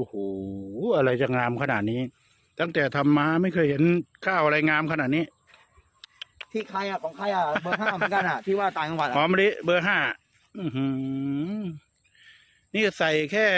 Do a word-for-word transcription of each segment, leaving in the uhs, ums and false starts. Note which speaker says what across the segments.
Speaker 1: โหอะไรจะงามขนาดนี้ ตั้งแต่ทำมาไม่เคยเห็นข้าวอะไรงามขนาดนี้
Speaker 2: ที่ใครอ่ะของใครอ่ะเบอร์ห้าเหมือนกันอ่ะที่ว่าต่างจังหวัด
Speaker 1: หอมมะลิเบอร์ห้าอือหือนี่ใส่แค่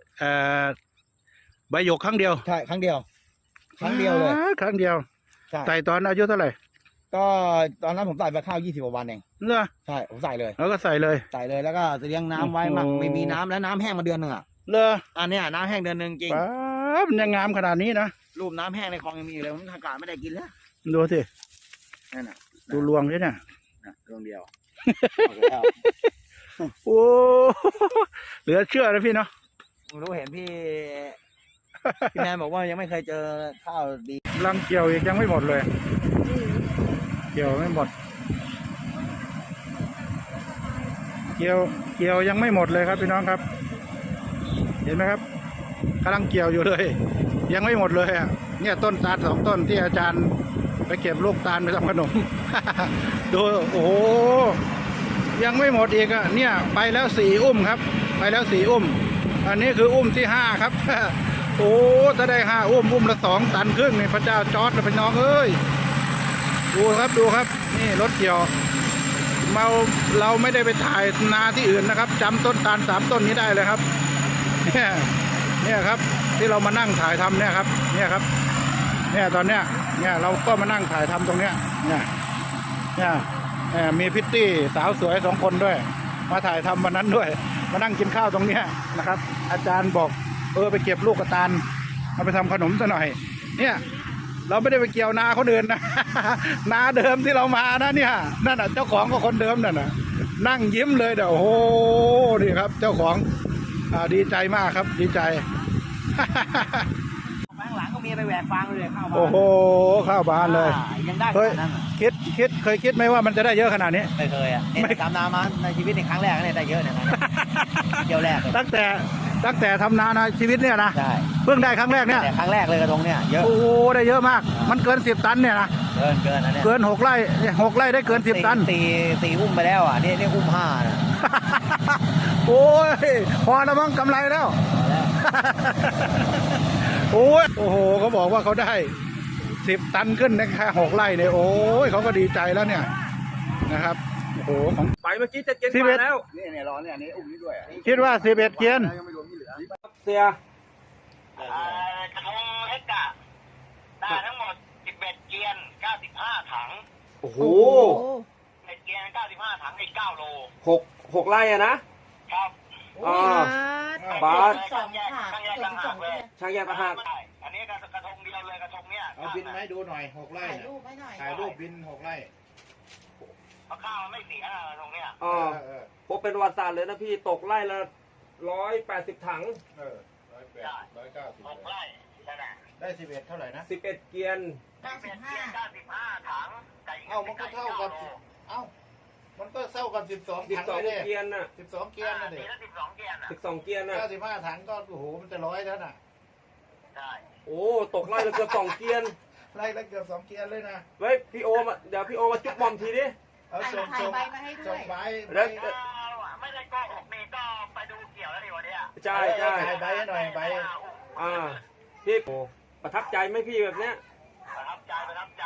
Speaker 1: ใบหยกครั้งเดียว
Speaker 2: ใช่ครั้งเดียวครั้งเดียวเลย
Speaker 1: ครั้งเดียวใส่ตอนอายุเท่าไหร่
Speaker 2: ก็ตอนนั้นผมใส่ไปข้าวยี่สิบกว่าวันเอง
Speaker 1: เหรอ
Speaker 2: ใช่ผมใส่เลย
Speaker 1: แล้วก็ใส่เลย
Speaker 2: ใส่เลยแล้วก็เลี้ยงน้ำไว้มั่งไม่มีน้ำแล้วน้ำแห้งมาเดือนหนึ่งอ่ะ
Speaker 1: เหรอ
Speaker 2: อันเนี้ยน้ำแห้งเดือนหนึ่งจริง
Speaker 1: มันยังงามขนาดนี้นะ
Speaker 2: รูปน้ำแห้งในคลองยังมีอยู่เลยผมอากาศไม่ได้กินแล้ว
Speaker 1: ดูสิ
Speaker 2: นั่นน่ะ
Speaker 1: ดูรวงด้วยเนี่ย
Speaker 2: รวงเดียว
Speaker 1: โอ้เหลือเชื่อนะพี่เนาะ
Speaker 2: รู้เห็นพี่พี่แมนบอกว่ายังไม่เคยเจอข้าวดี
Speaker 1: รังเกี่ยวอีกยังไม่หมดเลยเกี่ยวไม่หมดเกี่ยวเกี่ยวยังไม่หมดเลยครับพี่น้องครับเห็นไหมครับกำลังเกี่ยวอยู่เลยยังไม่หมดเลยอ่ะเนี่ยต้นตาลสองต้นที่อาจารย์ไปเก็บลูกตาลไปทำขนม ดูโอ้โหยังไม่หมดอีกอ่ะเนี่ยไปแล้วสี่อุ้มครับไปแล้วสี่อุ้มอันนี้คืออุ้มที่ห้าครับ โอ้ถ้าได้ห้าอุ้มอุ้มละสองตันครึ่งนี่พระเจ้าจอร์จเป็นน้องเอ้ยดูครับดูครับนี่รถเกี่ยวเราเราไม่ได้ไปถ่ายนาที่อื่นนะครับจำต้นตาลสามต้นนี้ได้เลยครับเนี่ยเนี่ยครับที่เรามานั่งถ่ายทำเนี่ยครับเนี่ยครับเนี่ยตอนเนี้ยเนี่ยเราก็มานั่งถ่ายทำตรงเนี้ยเนี่ยเนี่ยมีพิตตี้สาวสวยสองคนด้วยมาถ่ายทำวันนั้นด้วยมานั่งกินข้าวตรงเนี้ยนะครับอาจารย์บอกเออไปเก็บลูกกระตาลเอาไปทำขนมซะหน่อยเนี่ยเราไม่ได้ไปเกี่ยวนาเขาเดินนะนาเดิมที่เรามานะเนี่ยนั่นน่ะเจ้าของก็คนเดิมนั่นน่ะนั่งยิ้มเลยเดี๋ยวโอ้โหนี่ครับเจ้าของอ่าดีใจมากครับดีใจ
Speaker 2: ข้างหลังก็มีไปแหวกฟางเลยข้าวบ้าน
Speaker 1: โอ้โหข้าวบานเลย
Speaker 2: ยังได้
Speaker 1: เคยคิดคิดเคยคิดไหมว่ามันจะได้เยอะขนาดนี้
Speaker 2: ไม่เคยอ่ะไม่ทำนามาในชีวิตในครั้งแรกเนี่ยได้เยอะเนี่ยเดียวแรก
Speaker 1: ตั้งแต่ตั้งแต่ทำนาในชีวิตเนี่ยนะ
Speaker 2: ใช่
Speaker 1: เพิ่งได้ครั้งแรกเนี่ย
Speaker 2: แต่ครั้งแรกเลยกระทงเนี่ยเยอะ
Speaker 1: โอ้โหได้เยอะมากมันเกินสิบตันเนี่ยนะ
Speaker 2: เกินเกินนะเนี่ย
Speaker 1: เกินหกไร่หกไร่ได้เกินสิบตัน
Speaker 2: ตีตีอุ้มไปแล้วอ่ะนี่นี่อุ้มห้านะ
Speaker 1: โอ้ยพอแล้วมั้งกำไรแล้วโอ้ยโอ้โหเขาบอกว่าเขาได้สิบตันขึ้นในแค่หกไร่เนี่ยโอ้ยเขาก็ดีใจแล้วเนี่ยนะครับโอ้โหของ
Speaker 3: ไปเมื่อกี้จะเกณฑ์มาแล้ว
Speaker 2: นี่เนี่ยร้อนเนี่ยนี่อุ้มนี่ด้วย
Speaker 1: คิดว่าสิบเอ็ดเกียน
Speaker 3: เสีย
Speaker 4: กระทงเฮกะได้ทั้งหมดสิบเอ็ดเกียนเก้าสิบห้าถัง
Speaker 3: โอ้โห
Speaker 4: เอ็ดเกียนเก้าสิบห้าถังอีกเก้าโล
Speaker 3: หกหกไร่อะนะครับ
Speaker 4: อ่า
Speaker 3: บาส
Speaker 4: ช่างแยกช่างแยกต่างหากเลย
Speaker 3: ช่างแยกต่างหาก
Speaker 4: อันนี้กระทงเดียวเลยกระทงเนี้ย
Speaker 1: เอาบินให้ดูหน่อยหกไร่ถ่ายรูปบินหกไร่
Speaker 4: เพราะข้าวมันไม่เสียกระทงเนี้ย
Speaker 3: อ๋อพวกเป็นประวัติศาสตร์เลยนะพี่ตกไร่ละร้อยแปดสิบถัง
Speaker 1: เออร้อยแปดร้อยเก้าสิบ
Speaker 4: หกไร่
Speaker 1: ได้สิบเอ็ดเท่าไหร่นะ
Speaker 3: สิบเอ็ดเกียน
Speaker 4: เก้าสิบห้าเก้าสิบห้าถัง
Speaker 1: เอ้ามันก็เท่ากับเอ้ามันก็เท่ากับสิบสอง
Speaker 3: สิบสองเกียนน่ะ
Speaker 1: สิบสองเกียนน่ะเด็ก
Speaker 4: สิบสองเกียน
Speaker 3: สิบสองเกียนน่ะ
Speaker 1: เก้าสิบห้าถังก็โอ้โหมันจะร้อยแล้วน่ะ
Speaker 4: ใช่
Speaker 3: โอ้ตกไร่ละเกือบสองเกียน
Speaker 1: ไร่ละเกือบสองเกียนเลยนะ
Speaker 3: เฮ้ยพี่โอมาเดี๋ยวพี่โอมาจุ๊บบอมทีดิ
Speaker 1: เอาส่งส่งส่งใบ
Speaker 4: แล้วไม่ได้ก็หกเมตรก็ไปดูเกี่ยวแล้วดิวันนี้
Speaker 3: ใช่ใช่
Speaker 1: ใบให้หน่อยใบ
Speaker 3: อ่าพี่ประทับใจไหมพี่แบบเนี้ย
Speaker 4: ประทับใจประทับใจ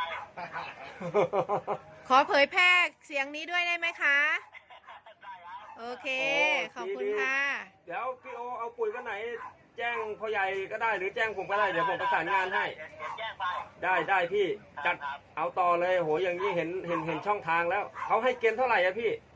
Speaker 5: ขอเผยแพร่เสียงนี้ด้วยได้ไหมคะโอเคขอบคุณค่ะ
Speaker 3: เดี๋ยวพี่โอเอาปุ๋ยกันไหนแจ้งพ่อใหญ่ก็ได้หรือแจ้งผมก็ได้เดี๋ยวผมประสานงานให้ได้ได้พี่จัดเอาต่อเลยโหอย่างนี้เห็นเห็นเห็นช่องทางแล้วเขาให้เกณฑ์เท่าไหร่อะพี่